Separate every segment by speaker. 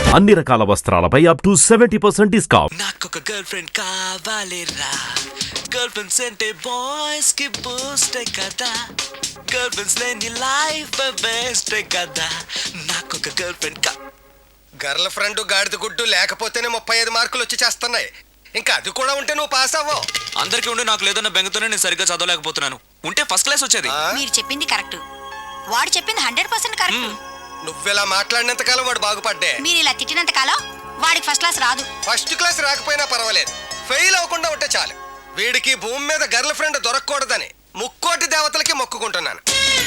Speaker 1: అన్ని రకాల వస్త్రాలపై అప్ టు 70% డిస్కౌంట్.
Speaker 2: నాకొక గర్ల్ ఫ్రెండ్ కావాలిరా, గర్ల్ ఫ్రెండ్స్ అంటే బాయ్స్ కి బూస్ట్ కదా, గర్ల్ ఫ్రెండ్స్ లేని లైఫ్ బెస్ట్ కదా, నాకొక గర్ల్ ఫ్రెండ్
Speaker 3: గర్ల్ ఫ్రెండ్ గాడిద గుడ్డు లేకపోతేనే 35 మార్కులు వచ్చి చేస్తున్నాయి. ఇంకా అది కూడా ఉంటే నువ్వు పాస్ అవ్వవు.
Speaker 2: అందరికీ ఉండి నాకు లేదన్న బెంగతోనే నేను సరిగ్గా చదవలేకపోతున్నాను. ఉంటే ఫస్ట్ క్లాస్ వచ్చేది.
Speaker 4: మీరు చెప్పింది కరెక్ట్, వాడు చెప్పింది 100% కరెక్ట్.
Speaker 3: నువ్వెలా మాట్లాడినంత కాలం వాడు బాగుపడ్డే.
Speaker 4: మీరు ఇలా తిట్టినంత కాలం వాడికి ఫస్ట్ క్లాస్ రాదు.
Speaker 3: ఫస్ట్ క్లాస్ రాకపోయినా పర్వాలేదు, ఫెయిల్ అవ్వకుండా ఉంటే చాలు. వీడికి భూమి మీద గర్ల్ ఫ్రెండ్ దొరకకూడదని ముక్కోటి దేవతలకి మొక్కుకుంటున్నాను.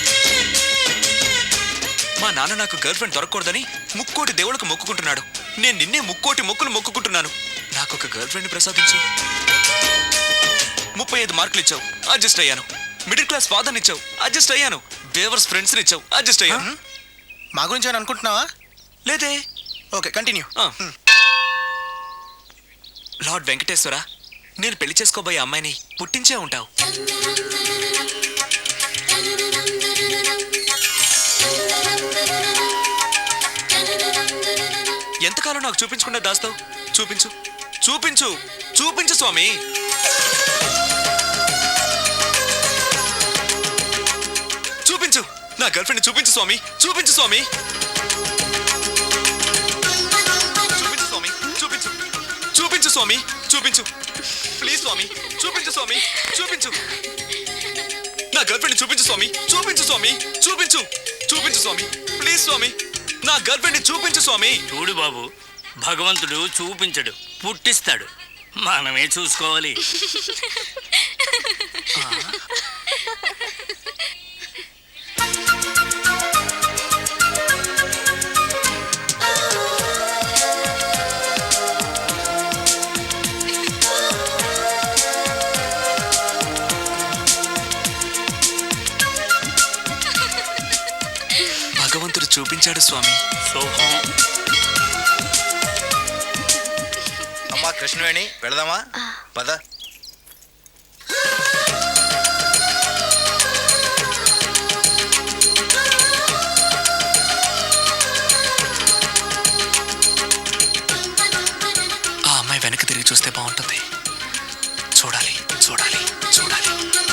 Speaker 2: మా నాన్న నాకు గర్ల్ ఫ్రెండ్ దొరకకూడదని ముక్కోటి దేవుళ్ళకు మొక్కుకుంటున్నాడు. నేను నిన్నే ముక్కోటి మొక్కులు మొక్కుకుంటున్నాను. నాకు ఒక గర్ల్ ఫ్రెండ్ ప్రసాదించు. 35 మార్కులు ఇచ్చావు, అడ్జస్ట్ అయ్యాను. మిడిల్ క్లాస్ ఫాదర్ని ఇచ్చావు, అడ్జస్ట్ అయ్యాను. బేవర్స్ ఫ్రెండ్స్ని ఇచ్చావు, అడ్జస్ట్ అయ్యాను.
Speaker 5: మా గురించి అని అనుకుంటున్నావా?
Speaker 2: లేదే.
Speaker 5: Okay, continue.
Speaker 2: లార్డ్ వెంకటేశ్వర, నేను పెళ్లి చేసుకోబోయే అమ్మాయిని పుట్టించే ఉంటావు. ఎంతకాలం నాకు చూపించకుండా దాస్తావు? చూపించు, చూపించు, చూపించు స్వామి. చూపించు, నా గర్ల్ ఫ్రెండ్ చూపించు స్వామి, చూపించు స్వామి. చూపించు స్వామి, చూపించు, చూపించు స్వామి, చూపించు. ప్లీజ్ స్వామి, చూపించు స్వామి, చూపించు. నా గర్ల్ ఫ్రెండ్ చూపించు స్వామి, చూపించు స్వామి, చూపించు, చూపించు స్వామి. ప్లీజ్ స్వామి, నా గర్ల్ ఫ్రెండ్ చూపించు స్వామి.
Speaker 6: చూడు బాబు, భగవంతుడు చూపించడు, పుట్టిస్తాడు. మనమే చూసుకోవాలి.
Speaker 2: భగవంతుడు చూపించాడు స్వామి.
Speaker 5: అమ్మా కృష్ణవేణి, వెళదామా? పద.
Speaker 2: ఆ అమ్మాయి వెనక్కి తిరిగి చూస్తే బాగుంటుంది. చూడాలి, చూడాలి, చూడాలి.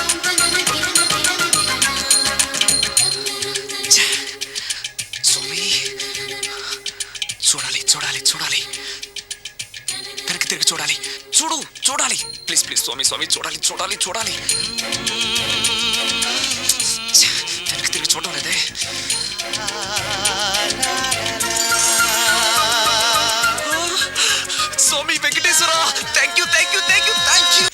Speaker 2: స్వామి, చూడాలి, చూడాలి, చూడాలి. వెనక్కి తిరిగి చూడాలి. చూడు, చూడాలి. ప్లీజ్ ప్లీజ్ స్వామి, స్వామి, చూడాలి, చూడాలి, చూడాలి. వెనక్కి తిరిగి చూడడం లేదే. Swami Venkateshwara, thank you, thank you, thank you, thank you.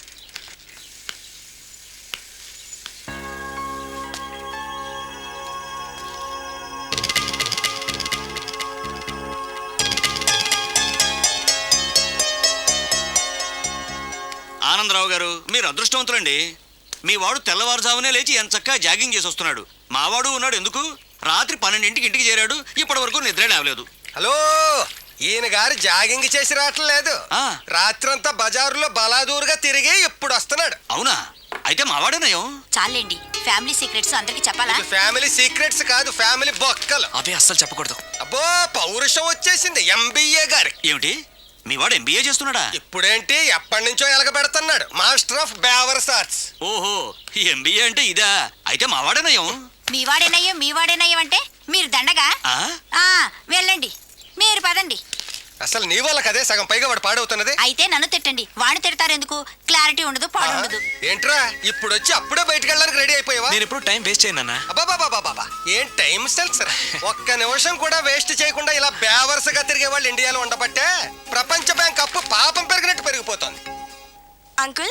Speaker 6: Anandarao గారు, మీరు అదృష్టవంతులండి. మీ వాడు తెల్లవారుజామునే లేచి ఎంచక్కా జాగింగ్ చేసి వస్తున్నాడు. మావాడు ఉన్నాడు ఎందుకు? రాత్రి 12ంటికి ఇంటికి చేరాడు, ఇప్పటి వరకు నిద్రే లేవలేదు.
Speaker 3: హలో, ఈయన గారు జాగింగ్ చేసి రావట్లేదు. రాత్రంతా బజారులో బలాదూరుగా తిరిగి ఇప్పుడు వస్తున్నాడు.
Speaker 6: అవునా? అయితే మావాడేనయం.
Speaker 4: చాలండి, ఫ్యామిలీ సీక్రెట్స్ అందరికి చెప్పాలా?
Speaker 3: ఇది ఫ్యామిలీ సీక్రెట్స్ కాదు, ఫ్యామిలీ బొక్కలు.
Speaker 2: అవే అస్సలు చెప్పకూడదు.
Speaker 3: అబ్బో, పౌరుషం వచ్చేసింది ఎంబీఏ గారికి.
Speaker 6: ఏమిటి, మీ వాడు ఎంబీఏ చేస్తున్నాడా?
Speaker 3: ఇప్పుడేంటి, ఎప్పటి నుంచో ఎలగబెడుతున్నాడు. మాస్టర్ ఆఫ్ బేవర్స్ ఆర్ట్స్.
Speaker 6: ఓహో, ఎంబీఏ అంటే ఇదా? అయితే మావాడేనయం.
Speaker 4: మీ వాడేనయ్యం అంటే మీరు దండగా. వెళ్ళండి, మీరు పదండి.
Speaker 3: అసలు నీ వల్ల కదే సగం పైగా వాడు పాడవుతున్నది.
Speaker 4: అయితే నన్ను తిట్టండి, వాడిని తిడతారు ఎందుకు? క్లారిటీ ఉండదు, పాడు ఉండదు.
Speaker 3: ఏంట్రా, ఇప్పుడు వచ్చి అప్పుడే బయటకు వెళ్ళడానికి రెడీ అయిపోయావా?
Speaker 2: నేను ఎప్పుడు టైం వేస్ట్ చేయను అన్న.
Speaker 3: అబ్బాబాబాబాబా, ఏం టైం సెన్స్ రా. ఒక్క నిమిషం కూడా వేస్ట్ చేయకుండా ఇలా బేవర్స్గా తిరిగే వాళ్ళు ఇండియాలో ఉండబట్టే ప్రపంచ బ్యాంక్ అప్పు పాపం పెరిగినట్టు పెరిగిపోతుంది.
Speaker 4: అంకుల్,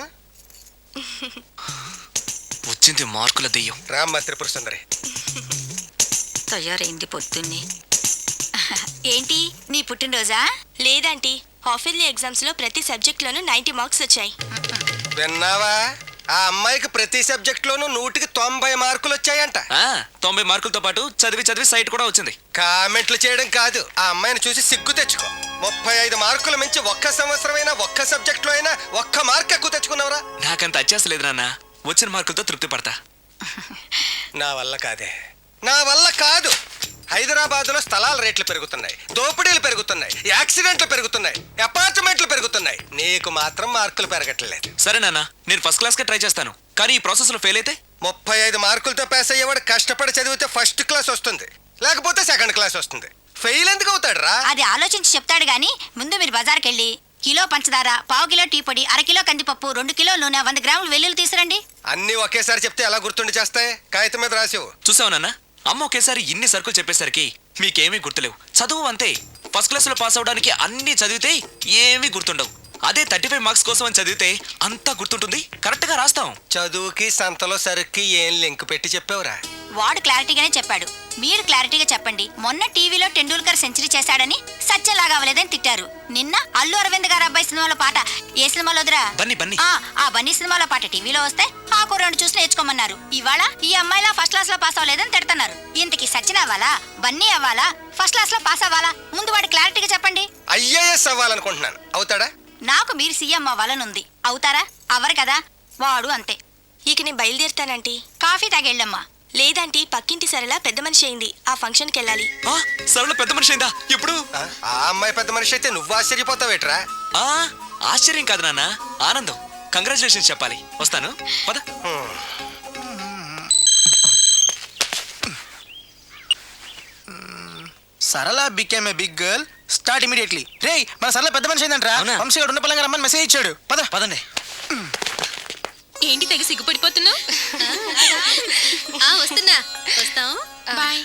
Speaker 2: వచ్చింది మార్కుల దెయ్యం.
Speaker 3: రామ్మ త్రిపుర సుందరి.
Speaker 4: తయారైంది పొద్దున్నే. ఏంటి, నీ పుట్టినరోజా?
Speaker 7: లేదంటీ, హాఫ్ ఇయర్లీ ఎగ్జామ్స్ లో ప్రతి సబ్జెక్ట్ లోనూ 90 మార్క్స్ వచ్చాయి.
Speaker 3: విన్నావా? ఆ అమ్మాయికి ప్రతి సబ్జెక్ట్ లోనూ 100కి 90 మార్కులు వచ్చాయంట.
Speaker 2: 90 మార్కులతో పాటు చదివి చదివి సైట్ కూడా వచ్చింది.
Speaker 3: కామెంట్లు చేయడం కాదు, ఆ అమ్మాయిని చూసి సిగ్గు తెచ్చుకో. 35 మార్కులు మించి ఒక్క సంవత్సరమైనా ఒక్క సబ్జెక్ట్ లో అయినా ఒక్క మార్క్ ఎక్కువ తెచ్చుకున్నావురా?
Speaker 2: నాకంత అత్యాసలేదు నాన్న, వచ్చిన మార్కులతో తృప్తి పడతా.
Speaker 3: నా వల్ల కాదే, నా వల్ల కాదు. హైదరాబాద్లో స్థలాల రేట్లు పెరుగుతున్నాయి, దోపిడీలు పెరుగుతున్నాయి, యాక్సిడెంట్లు పెరుగుతున్నాయి, అపార్ట్మెంట్లు పెరుగుతున్నాయి. నీకు మాత్రం మార్కులు పెరగట్లేదు.
Speaker 2: సరే నాన్న, నేను ఫస్ట్ క్లాస్కే ట్రై చేస్తాను. కానీ ఈ ప్రాసెస్లో ఫెయిల్ అయితే
Speaker 3: 35 మార్కులతో పాస్ అయ్యేవాడు కష్టపడి చదివితే ఫస్ట్ క్లాస్ వస్తుంది, లేకపోతే సెకండ్ క్లాస్ వస్తుంది. ఫెయిల్ ఎందుకు అవుతాడు రా?
Speaker 4: అది ఆలోచించి చెప్తాడు గాని ముందు మీరు బజార్కి వెళ్ళి కిలో పంచదార, పావు కిలో టీ పొడి, అరకిలో కందిపప్పు, 2 కిలో నూనె, 100 గ్రాములు వెల్లుల్లి తీసురండి.
Speaker 3: అన్నీ ఒకేసారి చెప్తే ఎలా గుర్తుండి చేస్తాయి? కాగితం మీద రాసివు.
Speaker 2: చూసావు నాన్న, అమ్మ ఒకేసారి ఇన్ని సరుకులు చెప్పేసరికి మీకేమీ గుర్తులేవు. చదువు అంతే, ఫస్ట్ క్లాస్లో పాస్ అవడానికి అన్నీ చదివితే ఏమీ గుర్తుండవు. అదే 35 మార్క్స్ కోసం అని చదివితే అంతా గుర్తుంటుంది, కరెక్ట్గా రాస్తాం.
Speaker 3: చదువుకి సంతలో సరుక్కి ఏం లింక్ పెట్టి చెప్పావురా?
Speaker 4: వాడు క్లారిటీగానే చెప్పాడు, మీరు క్లారిటీగా చెప్పండి. మొన్న టీవీలో టెండూల్కర్ సెంచరీ చేశాడని సత్యలాగా అవ్వలేదని తిట్టారు. నిన్న అల్లు అరవింద్ గారు అబ్బాయి సినిమాలో పాట ఏ సినిమాలో వదిరా?
Speaker 2: బన్నీ.
Speaker 4: ఆ బన్నీ సినిమాలో పాట టీవీలో వస్తే ఆ కుర్రాడు చూసి నేర్చుకోమన్నారు. ఇవాళ ఈ అమ్మాయిలా ఫస్ట్ క్లాస్ లో పాస్ అవ్వలేదని తిడుతున్నారు. ఇంతకి సచిన్ అవ్వాలా, బన్నీ అవ్వాలా, ఫస్ట్ క్లాస్ లో పాస్ అవ్వాలా? ముందు వాడు క్లారిటీగా చెప్పండి.
Speaker 3: ఐఏఎస్ అవ్వాలనుకుంటున్నాను. అవుతాడా?
Speaker 4: నాకు మీరు సీఎం అవ్వాలనుంది. అవుతారా? అవ్వరు కదా. వాడు అంతే.
Speaker 7: ఇక నేను బయలుదేరుతానంటీ.
Speaker 4: కాఫీ తాగెళ్ళమ్మా.
Speaker 7: లేదంటీ, పక్కింటి సరళ పెద్ద మనిషి అయింది, ఆ ఫంక్షన్కి వెళ్ళాలి.
Speaker 2: సరళ పెద్ద మనిషి అయిందా? ఎప్పుడు?
Speaker 3: ఆ అమ్మాయి పెద్ద మనిషి అయితే నువ్వు ఆశ్చర్యపోతావేట్రా?
Speaker 2: ఆశ్చర్యం కాదు నాన్న, ఆనందం. కంగ్రాచులేషన్స్ చెప్పాలి. వస్తాను, పద.
Speaker 5: Sarala became a big girl, start immediately. రే, మన సరళ పెద్ద మనిషి అయిందంట్రా.
Speaker 2: అవునా?
Speaker 5: వంశీ గారు ఉన్న పలంగా రమ్మని మెసేజ్ ఇచ్చాడు. పదండి.
Speaker 8: ఏంటి తెగ సిగ్గుపడిపోతున్నావు? వస్తున్నా, వస్తాం.
Speaker 7: Bye.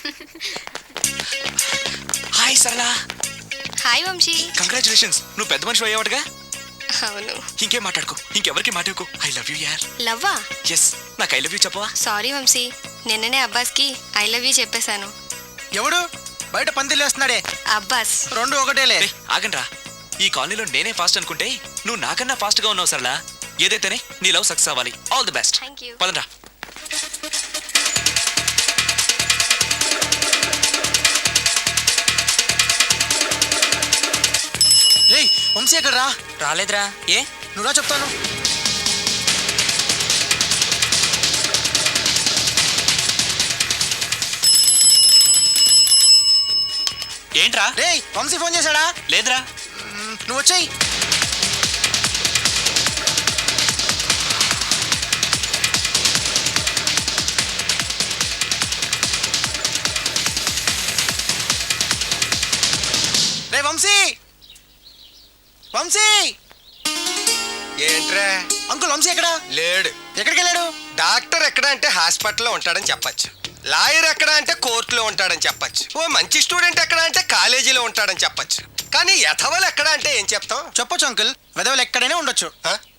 Speaker 2: Hi Sarala.
Speaker 7: Hi Vamshi.
Speaker 2: Congratulations, నువ్వు పెద్ద మనిషి అయ్యావటగా.
Speaker 7: అవును.
Speaker 2: ఇంకేం మాట్లాడుకో, ఇంకెవరికి మాట్లాడుకో. ఐ లవ్ యూ యార్.
Speaker 7: లవ్వా?
Speaker 2: ఎస్, నాకు ఐ లవ్ యూ చెప్పవా?
Speaker 7: సారీ వంశీ, నిన్ననే అబ్బాస్కి ఐ లవ్ యూ చెప్పేశాను.
Speaker 5: ఎవడు బయట పందిలేస్తున్నాడే?
Speaker 7: అబ్బాస్.
Speaker 5: రెండు ఒకటేలే.
Speaker 2: ఆగండ్రా, ఈ కాలనీలో నేనే ఫాస్ట్ అనుకుంటే నువ్వు నాకన్నా ఫాస్ట్ గా ఉన్నావు సరళ. ఏదైతేనే నీ లవ్ సక్సెస్ అవ్వాలి. All the best.
Speaker 7: Thank you.
Speaker 2: పదండ్రా.
Speaker 5: రే, వంశీ ఎక్కడ రా?
Speaker 2: రాలేదురా. ఏ?
Speaker 5: నువ్వు రా చెప్తాను.
Speaker 2: ఏంట్రా?
Speaker 5: రే, వంశీ ఫోన్ చేశాడా?
Speaker 2: లేదురా.
Speaker 5: నువ్వు వచ్చేయి. రే వంశీ, వంశీ.
Speaker 3: ఏంట్రా?
Speaker 5: అంకుల్ వంశీ ఎక్కడా?
Speaker 3: లేడు.
Speaker 5: ఎక్కడికి వెళ్ళాడు?
Speaker 3: డాక్టర్ ఎక్కడ అంటే హాస్పిటల్లో ఉంటాడని చెప్పచ్చు. లాయర్ ఎక్కడ అంటే కోర్టులో ఉంటాడని చెప్పచ్చు. ఓ మంచి స్టూడెంట్ ఎక్కడ అంటే కాలేజీలో ఉంటాడని చెప్పచ్చు. కానీ యథవలు ఎక్కడ అంటే ఏం చెప్తాం?
Speaker 5: చెప్పొచ్చు అంకుల్, వెదవలు ఎక్కడైనా ఉండొచ్చు.
Speaker 3: ఆ?